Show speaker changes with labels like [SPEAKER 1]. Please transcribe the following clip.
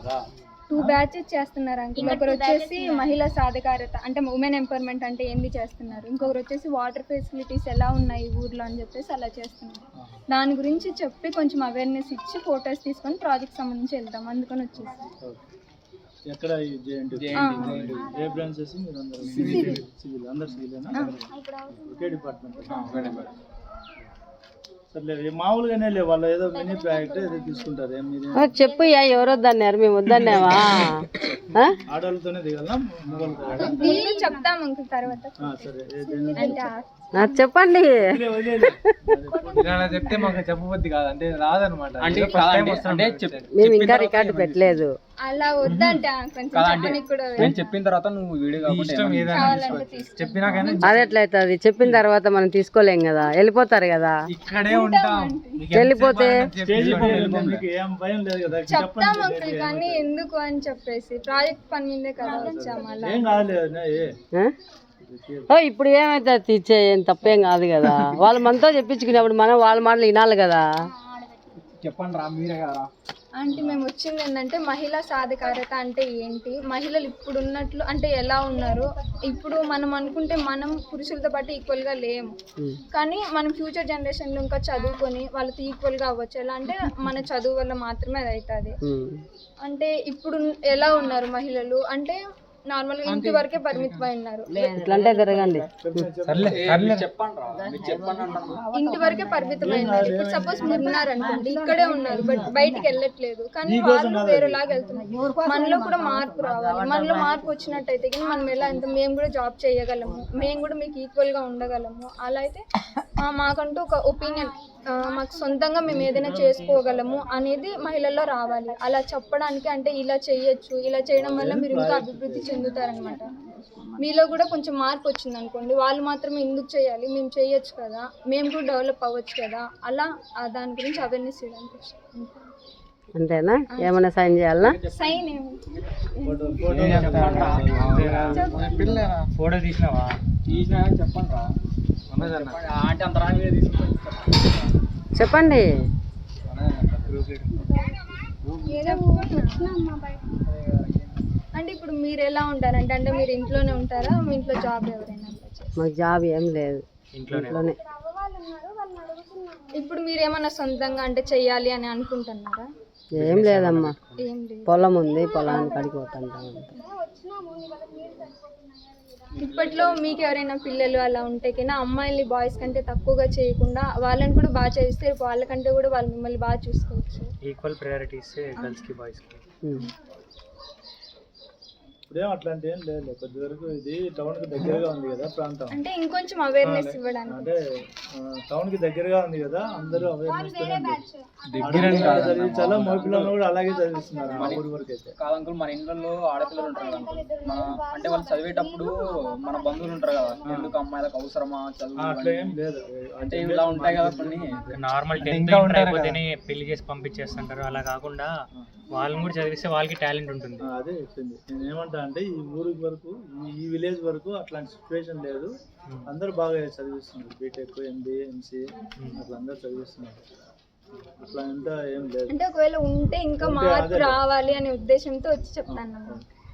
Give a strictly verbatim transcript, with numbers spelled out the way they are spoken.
[SPEAKER 1] Two batches చేస్తున్నారు uncle. ఒకరు వచ్చేసి మహిళా సాధికారత అంటే ఉమెన్ ఎంపవర్మెంట్ అంటే ఏంది చేస్తున్నారు, ఇంకొకరు వచ్చేసి వాటర్ ఫెసిలిటీస్ ఎలా ఉన్నాయి ఊర్లో అని చెప్పేసి అలా చేస్తున్నారు. దాని గురించి చెప్పి కొంచెం అవేర్నెస్ ఇచ్చి ఫొటోస్ తీసుకొని ప్రాజెక్ట్ సంబంధించి వెళ్తాం, అందుకని వచ్చేసి.
[SPEAKER 2] ఎక్కడ ఏ బ్రాంచెస్ మీరు అందరూ సివిల్ అందరూ సివిలేనా? ఒకే డిపార్ట్మెంట్. సర్లే మామూలుగానే లే వాళ్ళు ఏదో మినీ ప్రాజెక్ట్ ఏదో తీసుకుంటారు. మీరు
[SPEAKER 3] చెప్పు ఎవరు వద్దన్నారు, మేము వద్దన్నావా?
[SPEAKER 2] ఆడవాళ్ళతోనే దిగాలా మొగలతో?
[SPEAKER 1] చెప్తాం అంకుల్ తర్వాత.
[SPEAKER 3] చెప్పండి.
[SPEAKER 4] చెప్తే మాకు చెప్పబుద్ధి కాదు అంటే రాదనమాట.
[SPEAKER 3] మేము ఇంకా రికార్డు పెట్టలేదు.
[SPEAKER 1] అలా వద్దంటే
[SPEAKER 4] నేను చెప్పిన తర్వాత నువ్వు వీడియో చెప్పినా కానీ
[SPEAKER 3] అది ఎట్లయితుంది? చెప్పిన తర్వాత మనం తీసుకోలేం కదా, వెళ్ళిపోతారు కదా.
[SPEAKER 4] ఇక్కడే ఉంటాం,
[SPEAKER 3] వెళ్ళిపోతే
[SPEAKER 2] ఏం భయం లేదు కదా.
[SPEAKER 1] చెప్తాం అంకుల్, కానీ ఎందుకు అని చెప్పేసి ప్రాజెక్ట్ పని మీదే కదా వచ్చాము. అలా
[SPEAKER 2] ఏం కాదు.
[SPEAKER 3] ఓ ఇప్పుడు ఏమైతే ఇచ్చే ఏం తప్పేం కాదు కదా. వాళ్ళు మనతో చెప్పించుకునేప్పుడు మనం వాళ్ళ మాటలు వినాలి కదా.
[SPEAKER 4] చెప్పండి రా, మీరే కదా.
[SPEAKER 1] అంటే మేము వచ్చింది ఏంటంటే మహిళా సాధికారత అంటే ఏంటి, మహిళలు ఇప్పుడు ఉన్నట్లు అంటే ఎలా ఉన్నారు. ఇప్పుడు మనం అనుకుంటే మనం పురుషులతో పాటు ఈక్వల్గా లేము, కానీ మనం ఫ్యూచర్ జనరేషన్లో ఇంకా చదువుకొని వాళ్ళతో ఈక్వల్గా అవ్వచ్చు. ఎలా అంటే మన చదువు వల్ల మాత్రమే అది అవుతుంది. అంటే ఇప్పుడు ఎలా ఉన్నారు మహిళలు అంటే నార్మల్ గా ఇంటి వరకే పరిమితమై ఉన్నారు. ఇంటి వరకే పరిమితమైనారు. ఇప్పుడు సపోజ్ మీరు ఉన్నారనుకోండి, ఇక్కడే ఉన్నారు బట్ బయటికి వెళ్ళట్లేదు, కానీ వాళ్ళు వేరేలాగా వెళ్తున్నారు. మనలో కూడా మార్పు రావాలి. మనలో మార్పు వచ్చినట్టయితే కానీ మనం ఎలా ఎంత మేము కూడా జాబ్ చేయగలము, మేము కూడా మీకు ఈక్వల్ గా ఉండగలము. అలా అయితే మాకంటూ ఒక ఒపీనియన్, మాకు సొంతంగా మేము ఏదైనా చేసుకోగలము అనేది మహిళల్లో రావాలి. అలా చెప్పడానికి అంటే ఇలా చేయొచ్చు, ఇలా చేయడం వల్ల మీరు ఇంకా అభివృద్ధి చెందుతారనమాట. మీలో కూడా కొంచెం మార్పు వచ్చింది అనుకోండి, వాళ్ళు మాత్రమే ఎందుకు చేయాలి, మేము చేయొచ్చు కదా, మేము కూడా డెవలప్ అవ్వచ్చు కదా. అలా దాని గురించి అవేర్నెస్ ఇవ్వడానికి వచ్చాను.
[SPEAKER 3] అంతేనా? ఏమైనా సైన్ చేయాలా?
[SPEAKER 1] సైన్
[SPEAKER 4] ఫోటో తీసినావా? తీసినా చెప్పండి రా.
[SPEAKER 3] చెప్పండి.
[SPEAKER 1] అంటే ఇప్పుడు మీరు ఎలా ఉంటారంటే అంటే మీరు ఇంట్లోనే ఉంటారా, మీ ఇంట్లో జాబ్ ఎవరైనా?
[SPEAKER 3] మాకు జాబ్ ఏం లేదు, ఇంట్లోనే.
[SPEAKER 1] ఇప్పుడు మీరు ఏమన్నా సొంతంగా అంటే చెయ్యాలి అని అనుకుంటున్నారా?
[SPEAKER 3] ఏం లేదమ్మా,
[SPEAKER 1] ఏం లేదు.
[SPEAKER 3] పొలం ఉంది, పొలానికి అడిగిపోతుంటాం.
[SPEAKER 1] ఇప్పట్లో మీకు ఎవరైనా పిల్లలు అలా ఉంటే కన్నా అమ్మాయిల్ని బాయ్స్ కంటే తక్కువగా చేయకుండా వాళ్ళని కూడా బాగా చేస్తే వాళ్ళకంటే కూడా వాళ్ళు మిమ్మల్ని బాగా చూసుకోవచ్చు.
[SPEAKER 4] ఈక్వల్ ప్రయారిటీస్ గర్ల్స్ కి బాయ్స్ కి.
[SPEAKER 2] ఇప్పుడేం అట్లాంటి ఏం లేదు. కొద్ది వరకు ఇది టౌన్ కి దగ్గరగా ఉంది కదా ప్రాంతం,
[SPEAKER 1] అంటే ఇంకొంచెం అవేర్నెస్ ఇవ్వడానికి.
[SPEAKER 2] అంటే టౌన్ కి దగ్గరగా ఉంది కదా, అందరూ అవేర్నెస్ చాలా మగపిల్లలు కూడా అలాగే చదివిస్తున్నారు మా ఊరి వరకు అయితే.
[SPEAKER 4] కాదంకుల్, మన ఇంట్లో ఆడపిల్లలు ఉంటారు కదా, మన అంటే వాళ్ళు చదివేటప్పుడు మన బంధువులు ఉంటారు కదా, ఎందుకు అమ్మాయిలకు అవసరమా చదువు?
[SPEAKER 2] అట్లా ఏం లేదు.
[SPEAKER 4] అంటే ఇలా ఉంటాయి కదా కొన్ని నార్మల్ టెన్త్ అయిపోతేనే పెళ్లి చేసి పంపించేస్తుంటారు. అలా కాకుండా వాళ్ళని కూడా చదివిస్తే వాళ్ళకి టాలెంట్ ఉంటుంది.
[SPEAKER 2] అదే చెప్పింది. నేను ఏమంటా అంటే ఈ ఊరి వరకు, ఈ విలేజ్ వరకు అట్లాంటి సిచ్యువేషన్ లేదు. అందరూ బాగా చదివిస్తున్నారు, బీటెక్, ఎంబీఏ, ఎంసీఏ అట్లా అందరూ చదివిస్తున్నారు. అట్లా అంతా ఏం లేదు.
[SPEAKER 1] అంటే ఒకవేళ ఉంటే ఇంకా మార్పు రావాలి అనే ఉద్దేశంతో వచ్చి చెప్తాను.